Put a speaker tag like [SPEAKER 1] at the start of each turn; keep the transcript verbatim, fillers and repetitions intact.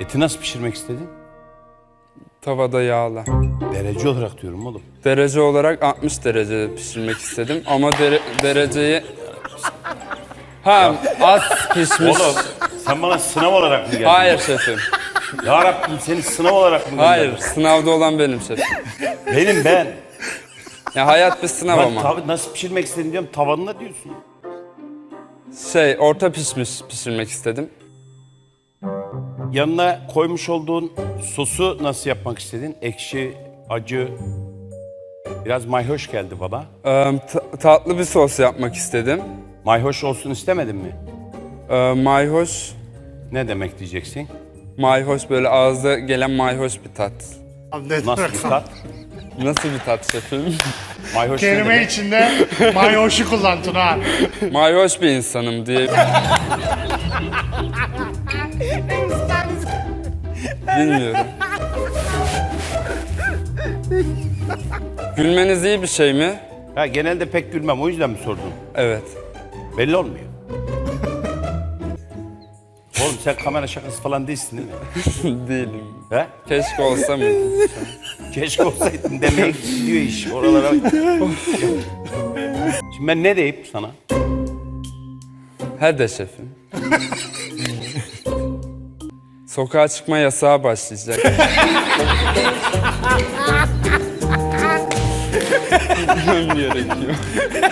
[SPEAKER 1] Eti nasıl pişirmek istedin?
[SPEAKER 2] Tavada yağla.
[SPEAKER 1] Derece olarak diyorum oğlum.
[SPEAKER 2] Derece olarak altmış derecede pişirmek istedim ama dere dereceyi... Ha, az pişmiş.
[SPEAKER 1] Oğlum sen bana sınav olarak mı geldin?
[SPEAKER 2] Hayır şefim.
[SPEAKER 1] Ya Rabbim seni sınav olarak mı gönderdin?
[SPEAKER 2] Hayır, sınavda olan benim şefim.
[SPEAKER 1] Benim ben.
[SPEAKER 2] Ya hayat bir sınav
[SPEAKER 1] Ben
[SPEAKER 2] ama.
[SPEAKER 1] tav- nasıl pişirmek istedin diyorum, tavanına diyorsun.
[SPEAKER 2] Şey, orta pişmiş pişirmek istedim.
[SPEAKER 1] Yanına koymuş olduğun sosu nasıl yapmak istedin? Ekşi, acı, biraz mayhoş geldi bana.
[SPEAKER 2] Ee, ta- tatlı bir sos yapmak istedim.
[SPEAKER 1] Mayhoş olsun istemedin mi?
[SPEAKER 2] Ee, mayhoş,
[SPEAKER 1] Ne demek diyeceksin?
[SPEAKER 2] mayhoş böyle ağızda gelen mayhoş bir tat.
[SPEAKER 1] Nasıl bir tat?
[SPEAKER 2] Nasıl bir tat şefim?
[SPEAKER 1] Mayhoş ne
[SPEAKER 3] Kelime
[SPEAKER 1] demek?
[SPEAKER 3] içinde mayoşu kullan Tuna.
[SPEAKER 2] Mayhoş bir insanım diye. Bilmiyorum. Gülmeniz iyi bir şey mi?
[SPEAKER 1] Ha, genelde pek gülmem, o yüzden mi sordun?
[SPEAKER 2] Evet.
[SPEAKER 1] Belli olmuyor. Oğlum sen kamera şakası falan değilsin değil mi?
[SPEAKER 2] Değilim.
[SPEAKER 1] He?
[SPEAKER 2] Keşke olsa mıydı?
[SPEAKER 1] Keşke olsaydın demeye gidiyor iş oralara. Şimdi ben ne deyip sana?
[SPEAKER 2] He de şefim. Sokağa çıkma yasağı başlayacak. Gitmem gerekiyor.